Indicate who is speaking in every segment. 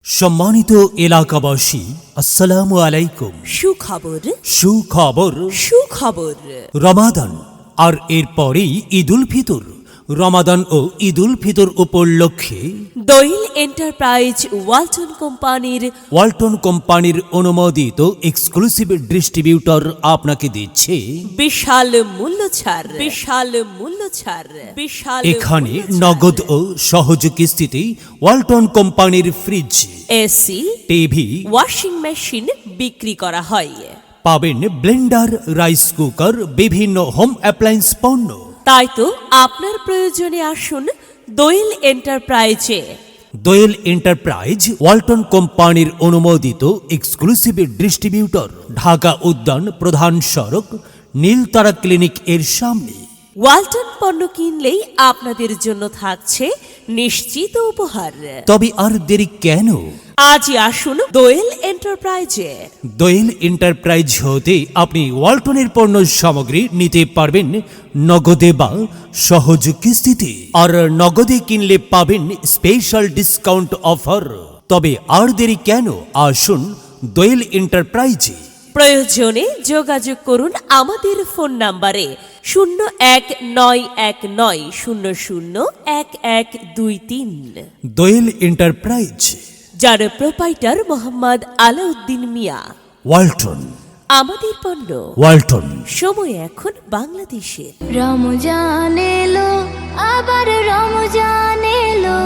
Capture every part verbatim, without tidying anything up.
Speaker 1: সম্মানিত এলাকাবাসী, আসসালামু আলাইকুম।
Speaker 2: সুখবর
Speaker 1: সুখবর
Speaker 2: সুখবর
Speaker 1: রমাদান আর এরপরেই ঈদুল ফিতর। রমাদান ও ঈদুল ফিতর উপলক্ষে
Speaker 2: দোয়েল এন্টারপ্রাইজ ওয়ালটন কোম্পানির
Speaker 1: ওয়ালটন কোম্পানির অনুমোদিত এক্সক্লুসিভ ডিস্ট্রিবিউটর আপনাকে দিচ্ছে
Speaker 2: বিশাল মূল্য ছাড় বিশাল মূল্য ছাড় বিশাল
Speaker 1: এখানে
Speaker 2: মূল্য ছাড়।
Speaker 1: নগদ ও সহজ কিস্তিতে ওয়ালটন কোম্পানির fridge,
Speaker 2: AC
Speaker 1: TV,
Speaker 2: washing machine বিক্রি করা হয়।
Speaker 1: পাবেন ব্লেন্ডার, রাইস কুকার, বিভিন্ন হোম অ্যাপ্লায়েন্স পণ্য।
Speaker 2: তাই তো আপনার প্রয়োজনে আসুন দোয়েল এন্টারপ্রাইজে।
Speaker 1: দোয়েল এন্টারপ্রাইজ ওয়ালটন কোম্পানির অনুমোদিত এক্সক্লুসিভ ডিস্ট্রিবিউটর, ঢাকা উদ্যান প্রধান সড়ক, নীলতারা ক্লিনিক এর সামনে।
Speaker 2: ওয়ালটন পণ্য কিনলেই আপনাদের জন্য থাকছে নিশ্চিত উপহার।
Speaker 1: তবে আর দেরি কেন?
Speaker 2: আজই আসুন দোয়েল এন্টারপ্রাইজে।
Speaker 1: দোয়েল এন্টারপ্রাইজ হতে আপনি ওয়ালটনের পণ্য সামগ্রী নিতে পারবেন নগদে বা সহজ কিস্তিতে। আর নগদে কিনলে পাবেন স্পেশাল ডিসকাউন্ট অফার। তবে আর দেরি কেন? আসুন দোয়েল এন্টারপ্রাইজে।
Speaker 2: প্রয়োজনে যোগাযোগ করুন আমাদের ফোন নাম্বারে শূন্য এক নয় এক নয় শূন্য শূন্য এক এক দুই তিন।
Speaker 1: দোয়েল এন্টারপ্রাইজ,
Speaker 2: যার প্রোপাইটার মোহাম্মদ আলাউদ্দিন মিয়া।
Speaker 1: ওয়ালটন,
Speaker 2: আমাদের পণ্য,
Speaker 1: ওয়ালটন।
Speaker 2: সময় এখন বাংলাদেশে।
Speaker 3: রমজান এলো, আবার রমজান এলো,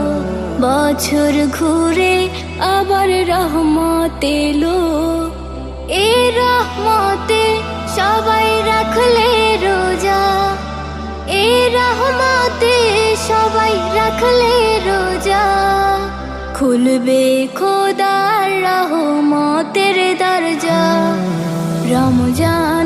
Speaker 3: বছর ঘুরে আবার রহমত এলো। এই রহমতে সবাই রাখলে রোজা, এই রহমতে সবাই রাখলে রোজা। খুলবে খোদার রহমতের দরজা। রমজান